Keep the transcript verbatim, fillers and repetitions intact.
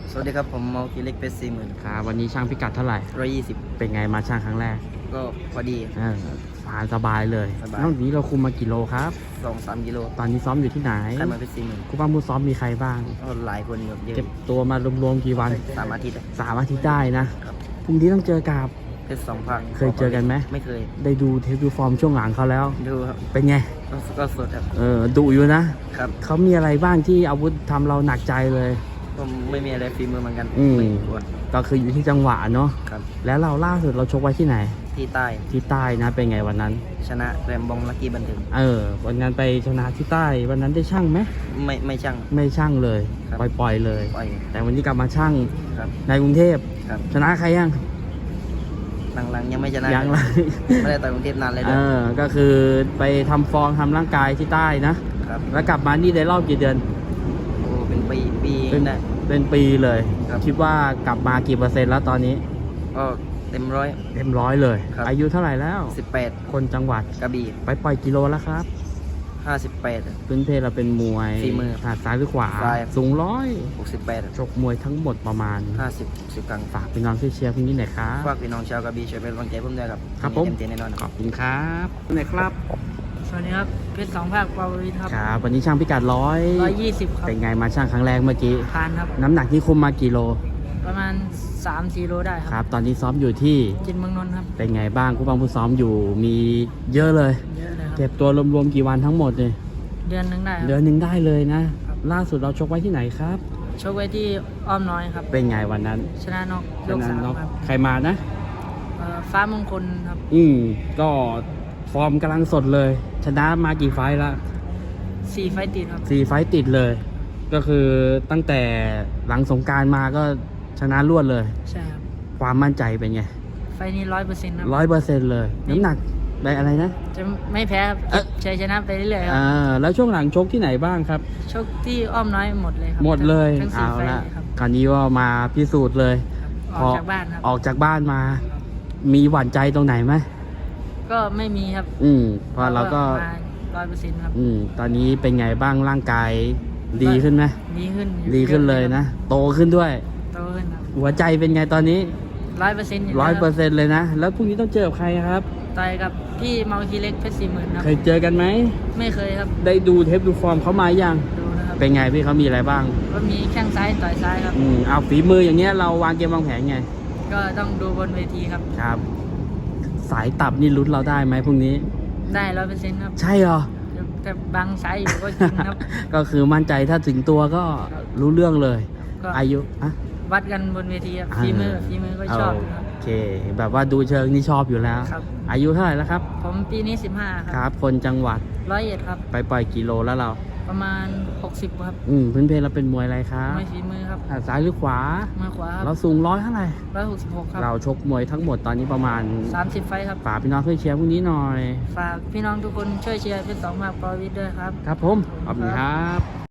สวัสดีครับผมเมาคีเล็กเพชรสี่หมื่นครับวันนี้ช่างพิกัดเท่าไหร่ร้อยยี่สิบเป็นไงมาช่างครั้งแรกก็พอดีเออผ่านสบายเลยสบายนอกจากนี้เราคุมมากี่โลครับสองสามกิโลตอนนี้ซ้อมอยู่ที่ไหนใครมาเพชรสี่หมื่นครูป้ามือซ้อมมีใครบ้างก็หลายคนอยู่เยอะเก็บตัวมารวมๆกี่วันสามอาทิตย์สามอาทิตย์ได้นะครับ พรุ่งนี้ต้องเจอกับเพชรสองภาคเคยเจอกันไหมไม่เคยได้ดูเทปดูฟอร์มช่วงหลังเขาแล้วดูครับเป็นไงก็ก็สดครับเออดุอยู่นะครับเขามีอะไรบ้างที่อาวุธทำเราหนักใจเลยผมไม่มีอะไรฝีมือเหมือนกันอืมไม่กลัวก็คืออยู่ที่จังหวะเนาะครับแล้วเราล่าสุดเราชกไว้ที่ไหนที่ใต้ที่ใต้นะเป็นไงวันนั้นชนะแรมบองลักกี้บันเทิงเออวันนั้นไปชนะที่ใต้วันนั้นได้ช่างไหมไม่ไม่ช่างไม่ช่างเลยครับปล่อยปล่อยเลยปล่อยแต่วันนี้กลับมาช่างครับในกรุงเทพครับชนะใครยังหลังๆยังไม่ชนะยังเลยไม่ได้ต่อยกรุงเทพนานเลยเอด้วยอก็คือไปทำฟอร์มทำร่างกายที่ใต้นะครับแล้วกลับมานี่ได้รอบกี่เดือนโอ้เป็นปีปีเป็นได้เป็นปีเลยครับคิดว่ากลับมากี่เปอร์เซ็นต์แล้วตอนนี้ก็เต็มร้อยเต็มร้อยเลยครับอายุเท่าไหร่แล้วสิบแปดคนจังหวัดกระบี่ไปปล่อยกิโลแล้วครับห้าสิบแปดพื้นเพเราเป็นมวยฝีมือถนัดซ้ายหรือขวาซ้ายสูงร้อยหกสิบแปดชกมวยทั้งหมดประมาณห้าสิบสิบกลางฝากพี่น้องช่วยเชียร์พรุ่งนี้หน่อยครับฝากพี่น้องชาวกระบี่ช่วยเป็นกำลังใจผมด้วยครับครับผมเต็มที่แน่นอนขอบคุณครับไหนครับสวัสดีครับเพชรสองภาคปาวิทครับครับวันนี้ช่างพิกัดร้อยร้อยยี่สิบครับเป็นไงมาช่างครั้งแรกเมื่อกี้ผ่านครับน้ำหนักที่คุมมากี่โลประมาณสามสี่โลได้ครับตอนนี้ซ้อมอยู่ที่จินเมืองนนท์ครับเป็นไงบ้างผู้บังผู้ซ้อมอยู่มีเยอะเลยเยอะเลยครับเก็บตัวรวมๆกี่วันทั้งหมดเลยเดือนหนึ่งได้ครับเดือนหนึ่งได้เลยนะล่าสุดเราชกไว้ที่ไหนครับชกไว้ที่อ้อมน้อยครับเป็นไงวันนั้นชนะนอกยกสามครับใครมานะเอ่อฟ้ามงคลครับอืมก็ฟอร์มกำลังสดเลยชนะมากี่ไฟล์ละสี่ไฟต์ติดครับสี่ไฟต์ติดเลย ก็คือตั้งแต่หลังสงกรานต์มาก็ชนะรวดเลยใช่ครับความมั่นใจเป็นไงไฟต์นี้ร้อยเปอร์เซ็นต์ครับร้อยเปอร์เซ็นต์เลยน้ำหนักได้อะไรนะจะไม่แพ้ครับชัยชนะไปเรื่อยๆครัอ่าแล้วช่วงหลังชกที่ไหนบ้างครับชกที่อ้อมน้อยหมดเลยครับหมดเลยทั้งสี่เอาไฟต์ละครับคราวนี้ว่ามาพิสูจน์เลยออกจากบ้านครับออกจากบ้านมา มีหวั่นใจตรงไหนไหมก็ไม่มีครับอืมเพราะเราก็ร้อยเปอร์เซ็นต์ครับอืมตอนนี้เป็นไงบ้างร่างกายดีขึ้นไหมดีขึ้นดีขึ้นเลยนะโตขึ้นด้วยโตขึ้นครับหัวใจเป็นไงตอนนี้ร้อยเปอร์เซ็นต์ร้อยเปอร์เซ็นต์เลยนะแล้วพรุ่งนี้ต้องเจอกับใครครับต่อยกับพี่เมาคีเล็กเพชรสี่หมื่นครับเคยเจอกันไหมไม่เคยครับได้ดูเทปดูฟอร์มเขามายังดูนะครับเป็นไงพี่เขามีอะไรบ้างก็มีแข้งซ้ายต่อยซ้ายครับอืมเอาฝีมืออย่างเงี้ยเราวางเกมวางแผนไงก็ต้องดูบนเวทีครับครับสายตับนี่ลุ้นเราได้ไหมพรุ่งนี้ได้ร้อยเปอร์เซ็นต์ครับใช่เหรอแต่บางสายอยู่ก็จริงครับก็คือมั่นใจถ้าถึงตัวก็รู้เรื่องเลยอายุอะวัดกันบนเวทีครับฝีมือฝีมือก็ชอบครับโอเคแบบว่าดูเชิงนี่ชอบอยู่แล้วอายุเท่าไหร่แล้วครับผมปีนี้สิบห้าครับครับคนจังหวัดร้อยเอ็ดครับไปปล่อยกิโลแล้วเราประมาณหกสิบครับอืมพื้นเพเราเป็นมวยอะไรครับมวยฝีมือครับซ้ายหรือขวามือขวาเราสูงร้อยเท่าไหร่ร้อยหกสิบหกครับเราชกมวยทั้งหมดตอนนี้ประมาณสามสิบไฟครับฝากพี่น้องช่วยเชียร์พรุ่งนี้หน่อยฝากพี่น้องทุกคนช่วยเชียร์เพชรสองภาคปาวิทย์ด้วยครับครับผมขอบคุณครับ